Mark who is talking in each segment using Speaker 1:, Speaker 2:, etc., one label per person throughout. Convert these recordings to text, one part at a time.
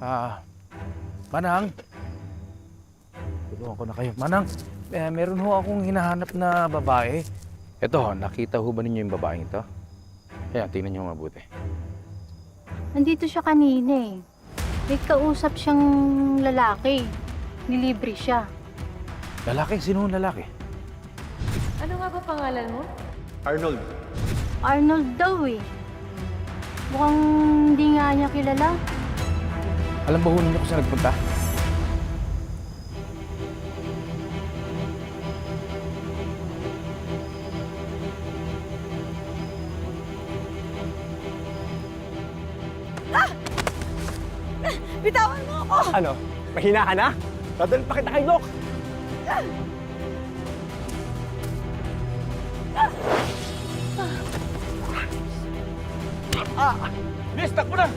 Speaker 1: Manang. Tulungan ko na kayo. Manang, meron ho akong hinahanap na babae. Ito ho, nakita ho ba ninyo yung babaeng ito? Kaya, tingnan nyo mabuti.
Speaker 2: Nandito siya kanina eh. May kausap siyang lalaki. Nilibre siya.
Speaker 1: Lalaki? Sino ang lalaki?
Speaker 3: Ano nga ba pangalan mo?
Speaker 4: Arnold,
Speaker 2: Arnold daw eh. Mukhang hindi nga niya kilala.
Speaker 1: Alam ba ho ninyo kung saan nagpunta?
Speaker 3: Bitawan mo ako!
Speaker 4: ano? Mahina ka na? Dadalhin pa kita kay Doc! Miss, takbo na!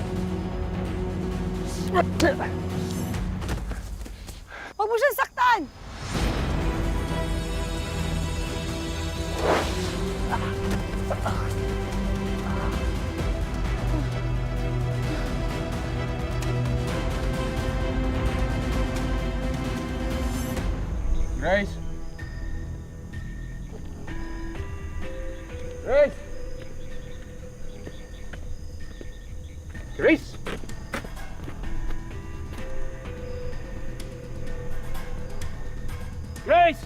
Speaker 3: Huwag mo siyang saktan!
Speaker 1: Grace! Grace! Grace! Grace!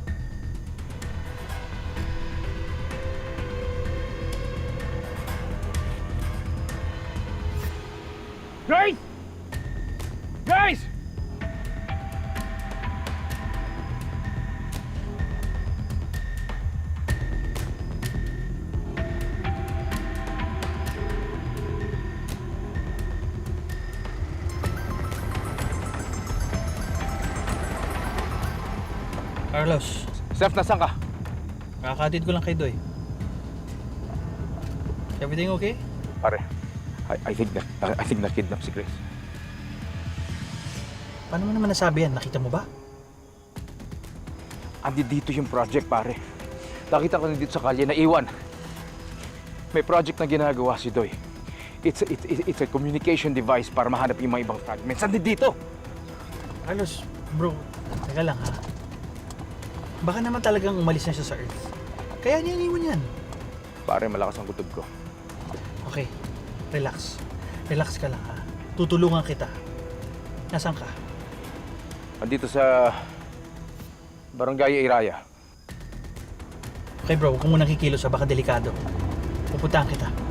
Speaker 1: Grace! Grace!
Speaker 5: Carlos,
Speaker 1: Steph, nasan ka?
Speaker 5: kakatid ko lang kay Doy. Everything okay?
Speaker 1: Pare, I think na-kidnap si Grace.
Speaker 5: Paano mo naman nasabi yan? Nakita mo ba?
Speaker 1: Andi dito yung project, pare. Nakita ko na dito sa kalye na iwan. May project na ginagawa si Doy. It's a communication device para mahanap yung mga ibang fragments. Andi dito!
Speaker 5: Carlos, bro, teka lang ha. Baka naman talagang umalis na siya sa Earth. Kaya niya iniwan yan.
Speaker 1: Pare, malakas ang kutob ko.
Speaker 5: Okay, relax. Relax ka lang ha. Tutulungan kita. Nasaan ka?
Speaker 1: Andito sa Barangay Iraya.
Speaker 5: Okay bro, huwag ka munang kikilos ha. Baka delikado. Pupuntahan kita.